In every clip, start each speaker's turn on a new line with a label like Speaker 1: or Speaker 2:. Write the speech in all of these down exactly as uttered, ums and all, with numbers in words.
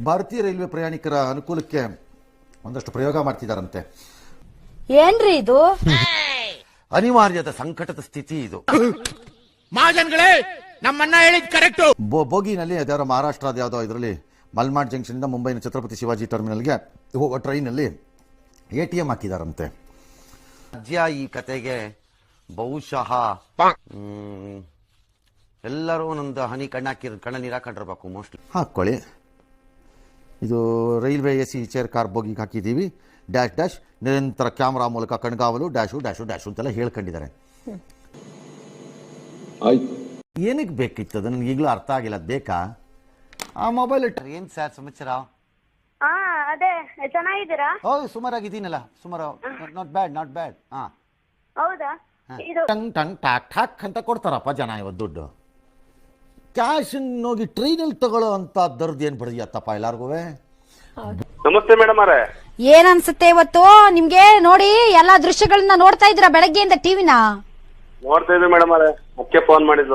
Speaker 1: ಭಾರತೀಯ ರೈಲ್ವೆ ಪ್ರಯಾಣಿಕರ ಅನುಕೂಲಕ್ಕೆ ಒಂದಷ್ಟು ಪ್ರಯೋಗ ಮಾಡ್ತಿದಾರಂತೆ.
Speaker 2: ಏನ್ರಿ ಇದು?
Speaker 3: ಅನಿವಾರ್ಯದ ಸಂಕಟದ ಸ್ಥಿತಿ ಇದು.
Speaker 4: ಮಹಾಜನ್ಗಳೇ, ನಮ್ಮನ್ನ ಹೇಳಿದ್ ಕರೆಕ್ಟ್.
Speaker 1: ಬೋಗಿನಲ್ಲಿ ಅದ್ಯಾವ ಮಹಾರಾಷ್ಟ್ರದ ಯಾವುದೋ ಇದರಲ್ಲಿ ಮಲ್ನಾಡ್ ಜಂಕ್ಷನ್ ಇಂದ ಮುಂಬೈನ ಛತ್ರಪತಿ ಶಿವಾಜಿ ಟರ್ಮಿನಲ್ಗೆ ಹೋಗೋ ಟ್ರೈನಲ್ಲಿ ಎ ಟಿ ಎಂ ಹಾಕಿದಾರಂತೆ.
Speaker 3: ರಾಜ್ಯ ಈ ಕತೆಗೆ ಬಹುಶಃ ಎಲ್ಲರೂ ಒಂದೊಂದು ಹನಿ ಕಣ್ಣಾಕಿ ಕಣ್ಣ ನೀರು ಹಾಕೊಂಡಿರ್ಬೇಕು. ಮೋಸ್ಟ್ಲಿ
Speaker 1: ಹಾಕ್ಕೊಳ್ಳಿ. ಇದು railway A C chair car ಬೋಗಿಗೆ ಹಾಕಿದ್ದೀವಿ ಡ್ಯಾಶ್ ಡ್ಯಾಶ್ ನಿರಂತರ ಕ್ಯಾಮ್ರಾ ಮೂಲಕ ಕಣ್ಗಾವಲು ಡ್ಯಾಶು ಡ್ಯಾಶು ಡ್ಯಾಶು ಅಂತೆಲ್ಲ ಹೇಳ್ಕೊಂಡಿದ್ದಾರೆ. ಏನಕ್ಕೆ ಬೇಕಿತ್ತು ಅದು ನನಗೆ ಈಗಲೂ ಅರ್ಥ ಆಗಿಲ್ಲ. ಅದು ಬೇಕಾ ಆ ಮೊಬೈಲ್?
Speaker 3: ಏನ್ ಸರ್ ಸಮಾಚಾರ?
Speaker 2: ಅದೇ ಚೆನ್ನಾಗಿದ್ದೀರಾ?
Speaker 3: ಹೌದು, ಸುಮಾರಾಗಿದ್ದೀನಲ್ಲ. ಸುಮಾರು ನಾಟ್ ಬ್ಯಾಡ್ ನಾಟ್ ಬ್ಯಾಡ್. ಹಾ
Speaker 2: ಹೌದಾ?
Speaker 1: ಟಂಗ್ ಟಂಗ್ ಟಾಕ್ ಟಾಕ್ ಅಂತ ಕೊಡ್ತಾರಪ್ಪ ಜನ ಇವತ್ತು ದುಡ್ಡು. ಕ್ಯಾಶ್ ಹೋಗಿ ಟ್ರೈನಲ್ಲಿ ತಗೊಳ್ಳೋ ಅಂತ ದರ್ದು ಏನ್ ಬಡಿಯತ್ತಪ್ಪ ಎಲ್ಲಾರ್ಗು.
Speaker 5: ನಮಸ್ತೆ ಮೇಡಮ್ ಅವರೇ.
Speaker 2: ಏನ್ ಅನ್ಸುತ್ತೆ ಇವತ್ತು ನಿಮ್ಗೆ? ನೋಡಿ ಎಲ್ಲಾ ದೃಶ್ಯಗಳನ್ನ ನೋಡ್ತಾ ಇದ್ದೀರಾ ಬೆಳಗ್ಗೆಯಿಂದ ಟಿವಿನ?
Speaker 5: ನೋಡ್ತಾ ಇದ್ವಿ ಮೇಡಮ್ ಅವರೇ, ಮುಖ್ಯ ಫೋನ್ ಮಾಡಿದ್ದು.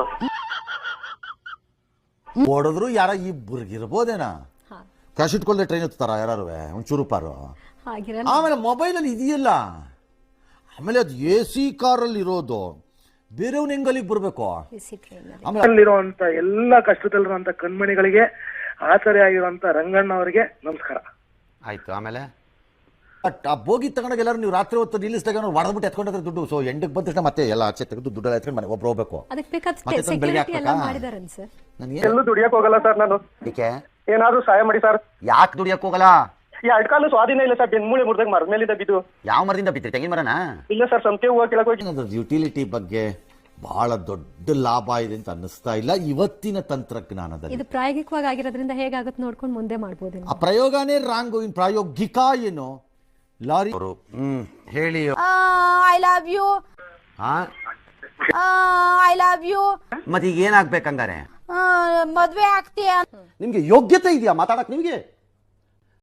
Speaker 1: ಓಡಿದ್ರು ಯಾರ ಇಬ್ಬರಿಗಿರ್ಬೋದೇನಾ? ಕ್ಯಾಶ್ ಇಟ್ಕೊಳ್ದೆ ಟ್ರೈನ್ ಹತ್ತಾರ ಯಾರು ಒಂಚೂರು ಪಾರು. ಆಮೇಲೆ ಮೊಬೈಲಲ್ಲಿ ಇದೆಯಲ್ಲ, ಆಮೇಲೆ ಅದು ಎ ಸಿ ಕಾರಲ್ಲಿ ಇರೋದು ಬೇರೆಯವ್ನ ಹೆಂಗಲ್ಲಿಗೆ ಬರಬೇಕು.
Speaker 6: ಅಲ್ಲಿರುವಂತ ಎಲ್ಲ ಕಷ್ಟದಲ್ಲಿರುವಂತ ಕಣ್ಮಣಿಗಳಿಗೆ ಆಸರೆ ಆಗಿರುವಂತ ರಂಗಣ್ಣ ಅವರಿಗೆ ನಮಸ್ಕಾರ.
Speaker 3: ಆಯ್ತು. ಆಮೇಲೆ
Speaker 1: ಆ ಬೋಗಿ ತಗೊಂಡಾಗ ಎಲ್ಲರೂ ನೀವು ರಾತ್ರಿ ಹೊತ್ತು ನಿಲ್ಲಿಸಿದಾಗ ಹೊಡೆದ್ಬಿಟ್ಟು ಎತ್ಕೊಂಡ್ರೆ ದುಡ್ಡು. ಸೊ ಎಂಟಕ್ಕೆ ಬಂದ ತಕ್ಷಣ ಮತ್ತೆ ಎಲ್ಲ ಆಚೆ ತೆಗೆದು ದುಡ್ಡೆಲ್ಲ ಎತ್ಕೊಂಡು ಮನೆ ಒಬ್ರು ಹೋಗ್ಬೇಕು.
Speaker 6: ಎಲ್ಲೂ ದುಡಿಯಕ್ ಹೋಗಲ್ಲ ಸರ್ ನಾನು.
Speaker 3: ಏಕೆ?
Speaker 6: ಏನಾದ್ರು ಸಹಾಯ ಮಾಡಿ ಸರ್.
Speaker 3: ಯಾಕೆ ದುಡಿಯಕ್ ಹೋಗಲ್ಲ?
Speaker 6: ಈ ಅಡ್ಕಾಲು ಸ್ವಾಧೀನ ಇಲ್ಲ ಸರ್. ಬೆನ್ಮೂಳೆ ಮುರಿದಾಗ ಮರದ ಮೇಲಿಂದ ಬಿದ್ದು.
Speaker 3: ಯಾವ ಮರದಿಂದ ಬಿದ್ರಿ? ತೆಂಗಿನ ಮರನ?
Speaker 6: ಇಲ್ಲ ಸರ್, ಸಂತೆ ಹೂವು ಕೆಳಗೆ ಹೋಗಿ.
Speaker 1: ಯುಟಿಲಿಟಿ ಬಗ್ಗೆ ಬಹಳ ದೊಡ್ಡ ಲಾಭ ಇದೆ ಅಂತ ಅನ್ನಿಸ್ತಾ ಇಲ್ಲ ಇವತ್ತಿನ ತಂತ್ರಜ್ಞಾನದಲ್ಲಿ.
Speaker 7: ಇದು ಪ್ರಾಯೋಗಿಕವಾಗಿ ಆಗಿರೋದ್ರಿಂದ ಹೇಗಾಗುತ್ತೆ ನೋಡ್ಕೊಂಡು ಮುಂದೆ ಮಾಡಬಹುದು.
Speaker 1: ಆ ಪ್ರಯೋಗನೇ ರಾಂಗು. ಇನ್ ಪ್ರಾಯೋಗಿಕ ಏನು? ಲಾರಿ
Speaker 3: ಹ್ಮ್ ಹೇಳಿ.
Speaker 2: I love you. I love you.
Speaker 3: ಮತ್ತೆ ಈಗ ಏನಾಗ್ಬೇಕಂಗಾರೆ?
Speaker 2: ಮದ್ವೆ ಆಗ್ತೀಯಾ?
Speaker 1: ನಿಮ್ಗೆ ಯೋಗ್ಯತೆ ಇದೆಯಾ ಮಾತಾಡಕ್? ನಿಮ್ಗೆ